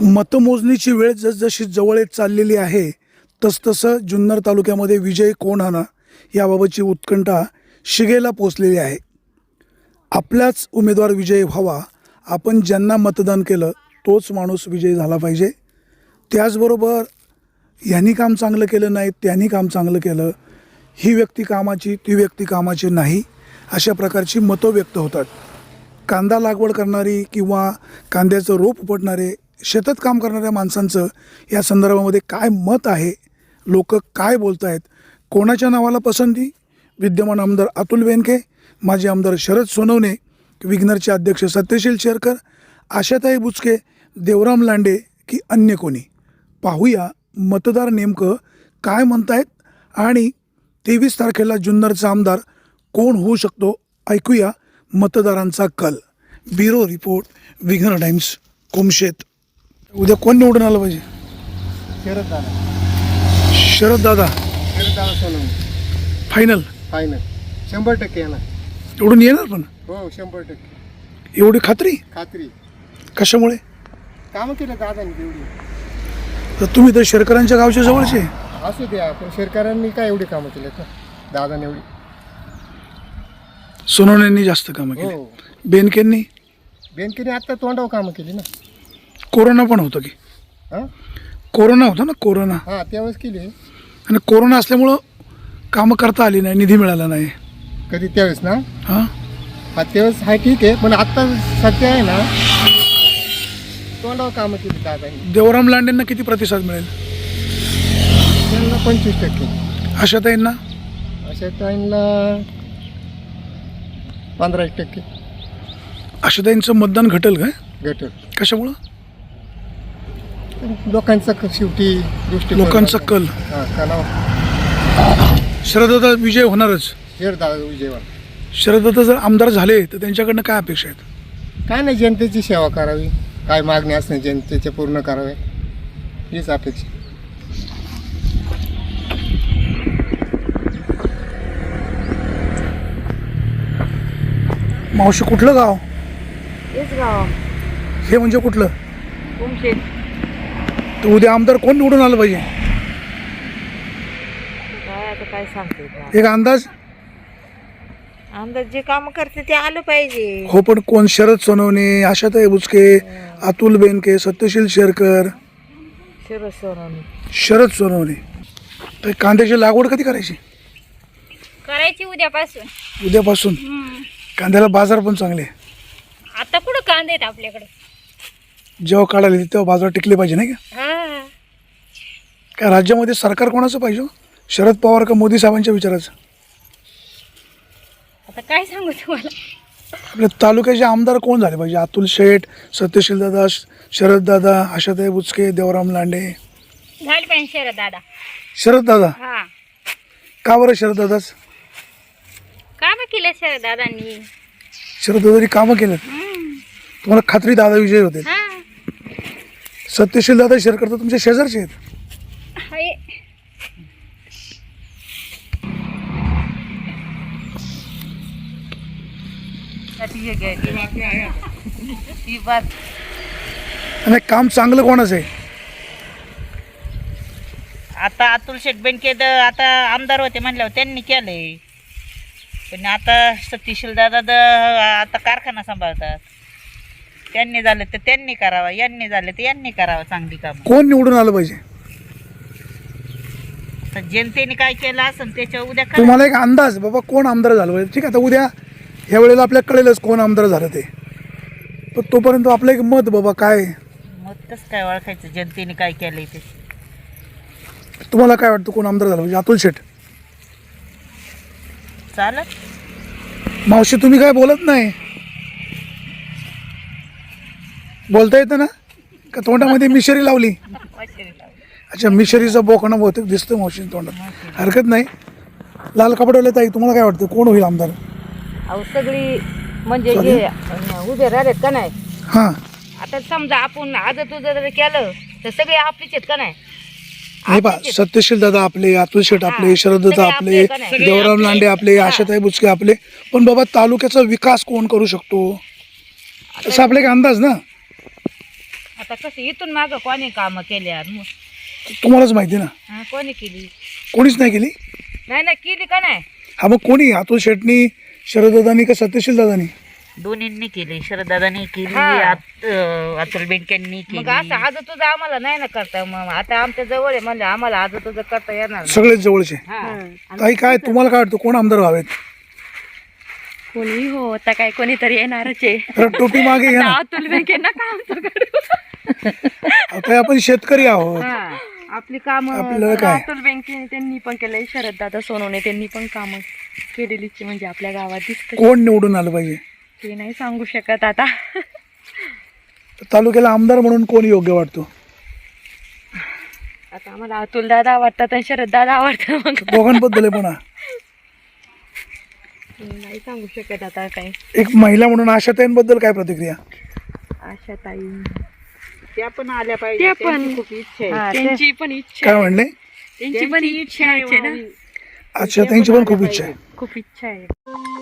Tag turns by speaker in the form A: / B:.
A: मतमोजणीची वेळ जसजशी जवळ येत चाललेली आहे तसतसं जुन्नर तालुक्यामध्ये विजय कोण होणार याबाबतची उत्कंठा शिगेला पोचलेली आहे. आपलाच उमेदवार विजयी व्हावा, आपण ज्यांना मतदान केलं तोच माणूस विजयी झाला पाहिजे. त्याचबरोबर यांनी काम चांगलं केलं नाही, त्यांनी काम चांगलं केलं, ही व्यक्ती कामाची ती व्यक्ती कामाची नाही, अशा प्रकारची मतं व्यक्त होतात. कांदा लागवड करणारी किंवा कांद्याचं रोप उपटणारे शेतात काम करणाऱ्या माणसांचं या संदर्भामध्ये काय मत आहे, लोक काय बोलत आहेत, कोणाच्या नावाला पसंती, विद्यमान आमदार अतुल बेनके, माजी आमदार शरद सोनवणे, विग्नरचे अध्यक्ष सत्यशील शेरकर, आशाताई बुचके, देवराम लांडे की अन्य कोणी. पाहूया मतदार नेमकं काय म्हणतायत आणि 23 तारखेला जुन्नरचा आमदार कोण होऊ शकतो, ऐकूया मतदारांचा कल. ब्युरो रिपोर्ट, विघ्नर टाइम्स, कुमशेत. उद्या कोण निवडून आलं पाहिजे?
B: शरद दादा.
A: शरद दादा
B: सोनवणे
A: फायनल.
B: 100% येणार.
A: निवडून येणार पण
B: हो 100%
A: एवढी खात्री?
B: खात्री.
A: कशामुळे?
B: कामं केलं दादांनी तेवढी.
A: तर तुम्ही तर शेरकरांच्या गावच्या जवळचे.
B: असू द्या, पण शेतकऱ्यांनी काय एवढी कामं केलेत ना दादाने एवढी.
A: सोनवण्यांनी जास्त कामं केली.
B: हो.
A: बेनकेंनी
B: बेनकेने आता तोंडावर कामं केली ना.
A: कोरोना पण होतं की?
B: हां
A: कोरोना होता ना, कोरोना.
B: हां त्यावेळेस केली.
A: आणि कोरोना असल्यामुळं कामं करता आली नाही, निधी मिळाला नाही.
B: कधी त्यावेळेस ना.
A: हां
B: हा त्यावेळेस हा ठीक आहे, पण आता सध्या आहे ना तोंडावर कामं केली दादांनी.
A: देवराम लांडेंना किती प्रतिसाद मिळेल?
B: त्यांना 25%.
A: आशाताईंना?
B: अशा टाईमला 15%.
A: आशाताईंचं मतदान घटेल काय?
B: गट
A: कशामुळं?
B: लोकांचा शेवटी दृष्टी
A: लोकांचा कल.
B: हां कलाव.
A: शरददादा विजय होणारच.
B: दादा विजयवाड.
A: शरददादा जर आमदार झाले तर त्यांच्याकडनं काय अपेक्षा आहेत?
B: काय नाही, जनतेची सेवा करावी, काय मागणी असणे जनतेचे पूर्ण करावे, हीच अपेक्षा.
A: मावशी कुठलं गाव?
C: तेच गाव
A: हे म्हणजे कुठलं?
C: कुमशेत.
A: तर उद्या आमदार कोण निवडून आलं पाहिजे?
C: काय आता काय सांगते बा.
A: एक अंदाज?
C: आमदार जे काम करते ते आलं पाहिजे.
A: हो, पण कोण? शरद सोनवणे, आशाताई बुचके, अतुल बेनके, सत्यशील शेरकर,
C: शरद सोनवणे.
A: शरद सोनवणे. तर कांद्याची लागवड कधी करायची?
D: करायची उद्यापासून.
A: उद्यापासून. कांद्याला बाजार पण चांगले.
D: आता कुठं कांदे आहेत आपल्याकडे?
A: जेव्हा काढायला येते तेव्हा बाजार टिकले पाहिजे नाही का?
D: हा.
A: काय राज्यामध्ये सरकार कोणाचं पाहिजे हो? शरद पवार का मोदी साहेबांच्या विचाराचं?
D: आता काय सांगू तुम्हाला.
A: आपल्या तालुक्याचे आमदार कोण झाले पाहिजे? अतुल शेठ, सत्यशील दादा, शरद दादा, आशाताई बुचके, देवराम लांडे.
D: झाली पाहिजे शरद दादा.
A: शरद दादा.
D: हा.
A: का बरं शरद दादाच?
D: काम केलं शरद दादांनी.
A: शरद दादानी कामं केलं. तुम्हाला खात्री दादा विजय होते?
D: हा.
A: सत्यशील दादा शेरकर तर तुमच्या शेजारचे आहेत.
D: हाय.
A: आणि काम चांगलं कोणाचं आहे?
E: आता अतुल शेठ बेनके आता आमदार होते म्हणल्यावर त्यांनी केलंय, पण आता सतीशील दादा आता कारखाना सांभाळतात. त्यांनी झालं तर त्यांनी करावं, यांनी झालं तर यांनी करावं चांगली कामं.
A: कोण निवडून आलं पाहिजे?
E: तर जनतेने काय केलं असेल त्याच्या उद्या करा.
A: तुम्हाला एक अंदाज बाबा कोण आमदार झालं पाहिजे? ठीक आहे, आता उद्या ह्या वेळेला आपल्याला कळेलच कोण आमदार झालं ते, पण तोपर्यंत आपलं एक मत बाबा काय?
E: मग कसं काय ओळखायचं जनतेने काय केलंय ते?
A: तुम्हाला काय वाटतं कोण आमदार झालं पाहिजे? अतुल शेठ.
E: चालत.
A: मावशी तुम्ही काय बोलत नाही? बोलता येतं ना का? तोंडामध्ये मिशरी लावली? अच्छा, मिशरीचा बोकणा बहुतेक दिसतं मावशी तोंडात. हरकत नाही. लाल कपड्याला ताई, तुम्हाला काय वाटतं कोण होईल आमदार?
C: अहो सगळी म्हणजे हे उभे राहिलेत का नाही.
A: हां,
C: आता समजा आपण आज तुझं जर केलं तर सगळे आपलीच आहेत का नाही.
A: हे पा, सत्यशील दादा आपले, अतुल शेठ आपले, शरद दादा आपले, देवराम लांडे आपले, आशाताई बुचके आपले, पण बाबा तालुक्याचा विकास कोण करू शकतो? तसा आपला एक अंदाज ना.
C: आता कसं इथून मागं कोणी कामं केल्या
A: तुम्हालाच माहिती ना,
C: कोणी केली
A: कोणीच नाही केली.
C: नाही ना केली का नाही
A: हा मग कोणी, अतुल शेटनी, शरददादांनी का सत्यशील दादांनी?
E: दोन्हींनी केली, शरददादांनी केली,
C: हा.
E: अतुल बेनकेंनी
C: मग
E: केली.
C: असं आज तुझं आम्हाला नाही ना करता, मग आता आमच्या जवळ आहे म्हणजे आम्हाला आज तुझं करता येणार नाही.
A: सगळेच जवळचे. ताई काय तुम्हाला काय वाटतं कोण आमदार व्हावेत?
F: कोणी हो, आता काय कोणीतरी येणारच आहे.
A: तर टोपी मागे घ्या ना.
F: अतुल बेनकेंना काम करू.
A: आता आपण शेतकरी आहोत,
C: हा. आपली काम
A: आपल्याला काय
F: अतुल बेनके त्यांनी पण केलंय, शरद दादा सोनवणे त्यांनी पण कामं केलेलीच म्हणजे आपल्या गावात दिसत.
A: कोण निवडून आलं पाहिजे?
F: ते नाही सांगू शकत आता.
A: तालुक्याला आमदार म्हणून कोण योग्य वाटतो?
F: आता आम्हाला अतुल दादा आवडतात आणि शरद दादा आवडतात. मग
A: दोघांबद्दल आहे पण.
F: नाही सांगू शकत आता काय.
A: एक महिला म्हणून आशाताईंबद्दल काय प्रतिक्रिया?
F: आशा ताई
E: त्या पण आल्या पाहिजे,
F: त्या पण
E: त्यांची खूप इच्छा आहे.
F: त्यांची पण इच्छा
A: काय म्हणले?
F: त्यांची पण इच्छा आहे ना.
A: आशाताईंची पण खूप इच्छा आहे.
F: खूप इच्छा आहे.